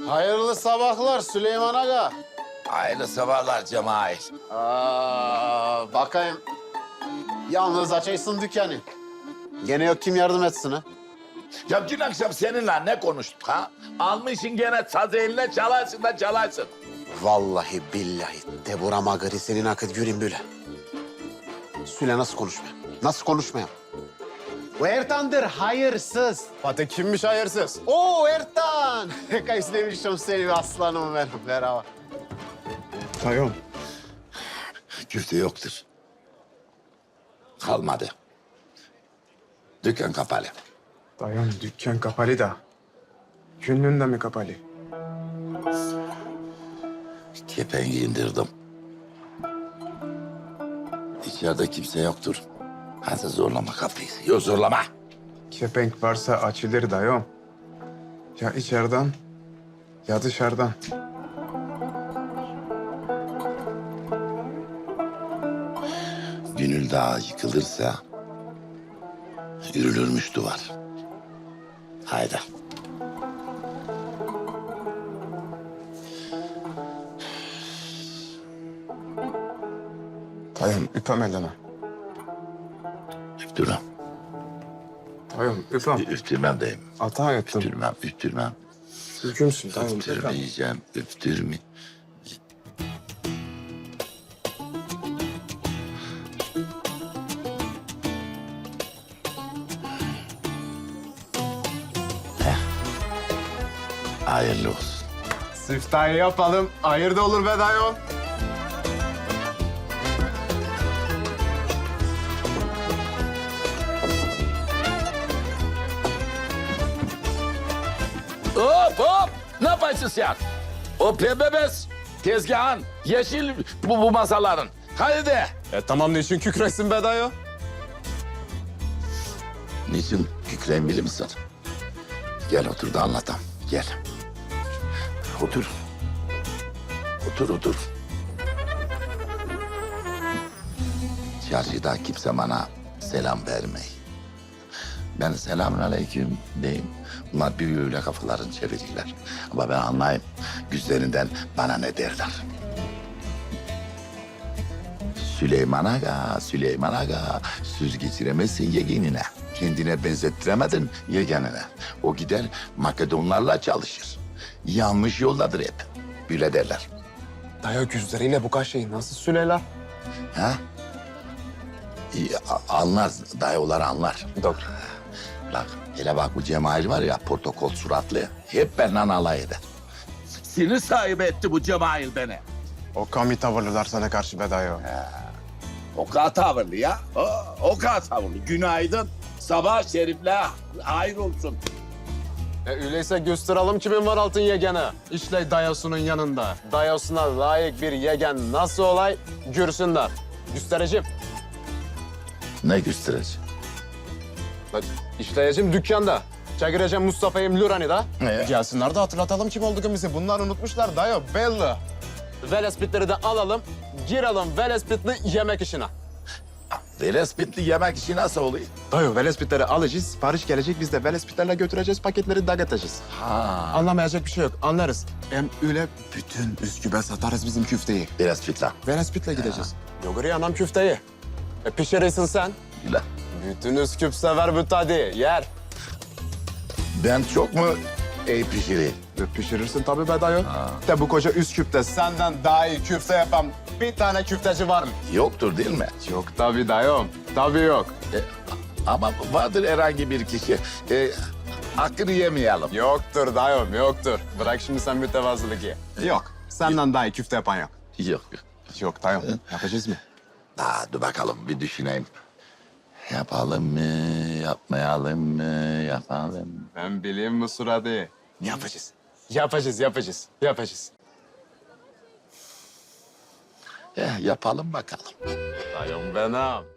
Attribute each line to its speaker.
Speaker 1: Hayırlı sabahlar Süleyman Aga.
Speaker 2: Hayırlı sabahlar Cemal.
Speaker 1: Bakayım. Yalnız açaysın dükkanı. Gene yok kim yardım etsin ha?
Speaker 2: Ya dün akşam seninle ne konuştuk ha? Almışsın gene saz eline çalarsın da çalarsın.
Speaker 1: Vallahi billahi de burama gari senin akıt göreyim böyle. Süle nasıl konuşmayayım? Nasıl konuşmayayım? O Ertan'dır hayırsız.
Speaker 3: Fatih kimmiş hayırsız?
Speaker 1: Oo Ertan. Kaç demiştim seni aslanım benim. Merhaba.
Speaker 3: Dayım.
Speaker 2: Küfte yoktur. Kalmadı. Dükkan kapalı.
Speaker 3: Dayım dükkan kapalı da. Günlüğünde mi kapalı?
Speaker 2: Kepengi indirdim. İçeride kimse yoktur. Hadi zorlama kapıyı. Yok zorlama.
Speaker 3: Kepenk varsa açılır dayım. Ya içeriden ya dışarıdan.
Speaker 2: Gönül Dağı yıkılırsa yürülürmüş duvar. Haydi.
Speaker 3: Dayım öpem elini.
Speaker 2: Üftürmem.
Speaker 3: Dayım öpem.
Speaker 2: Üftürmem deyim.
Speaker 3: Hata ettim.
Speaker 2: Üftürmem.
Speaker 3: Hükümsün dayım öpem.
Speaker 2: Üftürmeyeceğim, üftürme. Hayırlı olsun.
Speaker 3: Siftahı yapalım. Hayır da olur be dayım.
Speaker 2: Hop hop! Ne yaparsın sen? O pembe bez, tezgahın, yeşil bu masaların. Hadi de.
Speaker 3: Tamam niçin kükresin be dayı?
Speaker 2: Niçin kükreyim bilir misin? Gel otur da anlatam. Gel. Otur. Otur. Çarşıda kimse bana selam vermeyi. Ben selamünaleyküm diyeyim. Bunlar büyüyle kafalarını çevirirler. Ama ben anlayayım. Yüzlerinden bana ne derler. Süleyman Aga, söz geçiremezsin yegenine. Kendine benzettiremedin yegenine. O gider Makedonlarla çalışır. Yanlış yoldadır hep. Böyle derler.
Speaker 3: Dayı gözleriyle bu kadar şeyi nasıl söylerler?
Speaker 2: Ha? İyi, anlar, dayıoğulları anlar.
Speaker 3: Doğru.
Speaker 2: Bak, hele bak bu Cemal var ya, protokol suratlı. Hep benden alay eder. Sinir sahibi etti bu Cemal beni.
Speaker 3: O kami tavırlılar sana karşı be dayı.
Speaker 2: O kadar tavırlı ya. O kadar tavırlı. Günaydın. Sabah şerifle hayır olsun.
Speaker 3: Öyleyse gösterelim kimin var altın yegeni. İşte dayasının yanında. Dayasına layık bir yegen nasıl olay görsünler. Göstereceğim.
Speaker 2: Ne gösterici?
Speaker 3: Bak, işleyeceğim dükkanda. Çekireceğim Mustafa'yı Lurani da. Gelsinler de hatırlatalım kim olduğumuzu. Bunlar unutmuşlar dayı belli. Velespitleri de alalım. Girelim velespitli yemek işine.
Speaker 2: Velespitli yemek işi nasıl oluyor?
Speaker 3: Dayı velespitleri alacağız. Sipariş gelecek. Biz de velespitlerle götüreceğiz. Paketleri dağıtacağız.
Speaker 2: Ha.
Speaker 3: Anlamayacak bir şey yok. Anlarız. Hem öyle bütün Üsküp'e satarız bizim küfteyi.
Speaker 2: Velespitli.
Speaker 3: Velespitle gideceğiz. Yoguri anam küfteyi. Pişirirsin sen.
Speaker 2: Güle.
Speaker 3: Bütün Üsküp sever bu tadı. Yer.
Speaker 2: Ben çok mu pişireyim?
Speaker 3: Pişirirsin tabii be dayı. De bu koca Üsküp'te senden daha iyi küfte yapan bir tane küfteci var mı?
Speaker 2: Yoktur değil mi?
Speaker 3: Yok tabii dayım. Tabii yok.
Speaker 2: Ama vardır herhangi bir kişi. Hakkını yemeyelim.
Speaker 3: Yoktur dayım, yoktur. Bırak şimdi sen mütevazılık ye. Yok. Senden daha iyi küfte yapan yok.
Speaker 2: Yok.
Speaker 3: Yok dayım. Yapacağız mı?
Speaker 2: Dur bakalım bir düşüneyim. Yapalım mı, yapmayalım mı, yapalım mı?
Speaker 3: Ben bileyim bu suratı. Yapacağız. Yapacağız.
Speaker 2: Yapalım bakalım.
Speaker 3: Dayım benim.